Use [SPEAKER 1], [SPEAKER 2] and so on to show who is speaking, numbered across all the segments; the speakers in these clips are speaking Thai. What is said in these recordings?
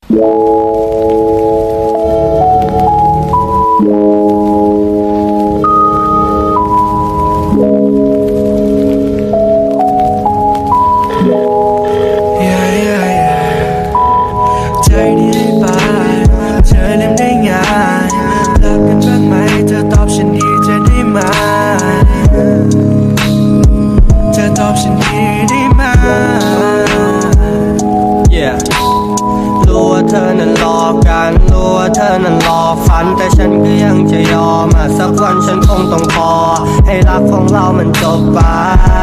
[SPEAKER 1] ใจดีให้ไปเธอลืมได้ง่ายรักกันบ้างไหมเธอตอบฉันดีจะได้ไหมเธอตอบฉันดีได้ไหม
[SPEAKER 2] Yeah รู้ว่าเธอนั้นรอกันรู้ว่าเธอนั้นรอฝันแต่ฉันก็ยังจะยอมสักวันฉันคงต้องพอให้รักของเรามันจบไป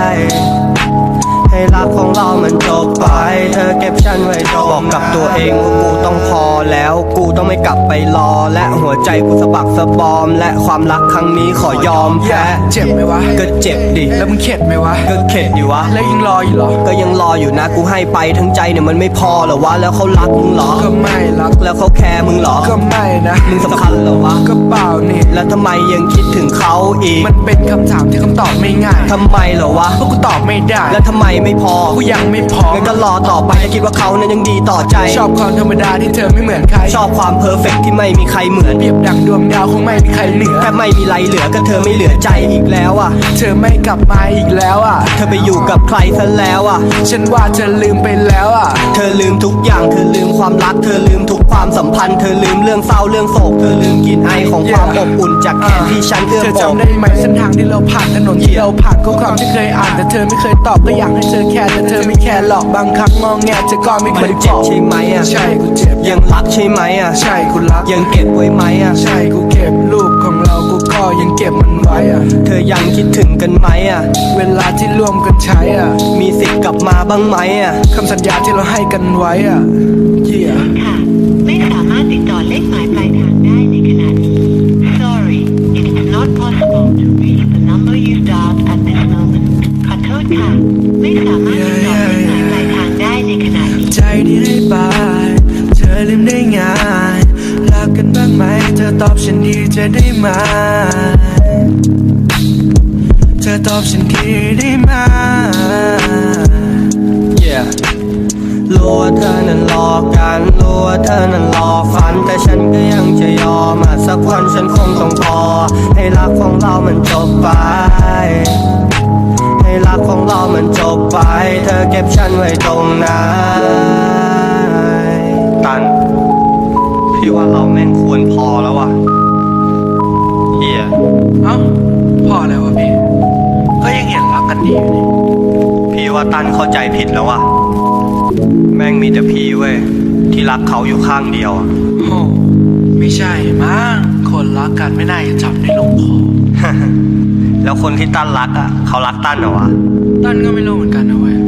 [SPEAKER 2] ให้รักของเรามันจบไปเธอเก็บฉันไว้บอกกับตัวเองว่ากูต้องพอแล้วกูต้องไม่กลับไปรอและหัวใจกูสะบักสะบอมและความรักครั้งนี้ขอยอมแพ้
[SPEAKER 1] เจ็บไหมวะ
[SPEAKER 2] ก็เจ็บดิ
[SPEAKER 1] แล้วมึงเข็ดไหมวะ
[SPEAKER 2] ก็เข็ดดิวะ
[SPEAKER 1] แล้วยังรออยู่เหรอ
[SPEAKER 2] ก็ยังรออยู่นะกูให้ไปทั้งใจเนี่ยมันไม่พอเหรอวะแล้วเขารักมึงเหรอ
[SPEAKER 1] ก็ไม่รัก
[SPEAKER 2] แล้วเขาแคร์มึงเหรอ
[SPEAKER 1] ก็ไม่นะ
[SPEAKER 2] มึงสำคัญเหรอวะ
[SPEAKER 1] ก็เปล่านี่
[SPEAKER 2] แล้วทำไมยังคิดถึงเขาอีก
[SPEAKER 1] มันเป็นคำถามที่คำตอบไม่ง่าย
[SPEAKER 2] ทำไมเหรอวะ
[SPEAKER 1] เพราะกูตอบไม่ได้
[SPEAKER 2] แล้วทำไมไม่พอ
[SPEAKER 1] กูยังไม่พอ
[SPEAKER 2] งั้นก็รอต่อไปคิดว่าเขานั้นยังดีต่อใจ
[SPEAKER 1] ชอบความธรรมดาที่เธอไม่เหมือนใคร
[SPEAKER 2] ชอบความเพอร์เฟกต์ที่ไม่มีใครเหมือน
[SPEAKER 1] เปรียบดังดวงดาวคงไม่มีใครเหนือ
[SPEAKER 2] แค่ไม่มีไรเหลือก็เธอไม่เหลือใจอีกแล้วอ่ะ
[SPEAKER 1] เธอไม่กลับมาอีกแล้วอ่ะ
[SPEAKER 2] เธอไปอยู่กับใครซะแล้วอ่ะ
[SPEAKER 1] ฉันว่าเธอลืมไปแล้วอ่ะ
[SPEAKER 2] เธอลืมทุกอย่างเธอลืมความรักเธอลืมทุกความสัมพันธ์เธอลืมเรื่องเศร้าเรื่องโศกเธอลืมกลิ่นไอของความอบอุ่นจากแขนที่ฉันเอื้อม
[SPEAKER 1] เธอจำได้ไหมเส้นทางที่เราผ่านถนนที่เราผ่านข้อความที่เคยอ่านแต่เธอไม่เคยตอบก็อยากให้เธอแคร์แต่เธอไม่แคร์หรอกบางครั้งมองแงเธอก็ไม่เคย
[SPEAKER 2] เจ็บใช่ไหมอ่ะ
[SPEAKER 1] ใช่กูเจ็บ
[SPEAKER 2] ยังรักใช่ไหมอ่ะ
[SPEAKER 1] ใช่กูรัก
[SPEAKER 2] ยังเก็บไว้ไหมอ่ะ
[SPEAKER 1] ใช่กูเก็บรูปของเรากูก็ยังเก็บมันไว้อ่ะ
[SPEAKER 2] เธอยังคิดถึงกันไหมอ่ะ
[SPEAKER 1] เวลาที่ร่วมกันใช้อ่ะ
[SPEAKER 2] มีสิทธิ์กลับมาบ้างไหมอ่ะ
[SPEAKER 1] คำสัญญาที่เราให้กันไว้อ่ะ
[SPEAKER 3] ค่ะไม่สามารถติดต่อเลขหมายปลายทางได้ในขณะนี้ Sorry it is not possible to reach the number you dialed at this moment ขอโทษค่ะไม่สามารถติดต่อเลขหมายปลายทางได้ในขณะนี้
[SPEAKER 1] ใจดีให้ไปเธอลืมได้ง่ายรักกันบ้างไหมเธอตอบฉันดีจะได้ไหมเธอตอบฉันดีได้ไหม
[SPEAKER 2] Yeah รู้ว่าเธอนั้นรอกันรู้ว่าเธอนั้นรอฝันแต่ฉันก็ยังจะยอมสักวันฉันคงต้องพอให้รักของเรามันจบไปให้รักของเรามันจบไปเธอเก็บฉันไว้ตรงนั้นตันพี่ว่าเราแม่งควรพอแล้วว่ะเฮีย
[SPEAKER 1] เอ้าพอแล้ววะพี่ก็ยังเห็นรักกันดีอยู่นี่
[SPEAKER 2] พี่ว่าตันเข้าใจผิดแล้วว่ะแม่งมีแต่พี่เว้ยที่รักเขาอยู่ข้างเดียว
[SPEAKER 1] โอ้ไม่ใช่มั้งคนรักกันไม่น่าจะจับได้ลงคอ
[SPEAKER 2] แล้วคนที่ตั้นรักอ่ะเขารักตั้นเหรอวะ
[SPEAKER 1] ตั้นก็ไม่รู้เหมือนกันนะเว้ย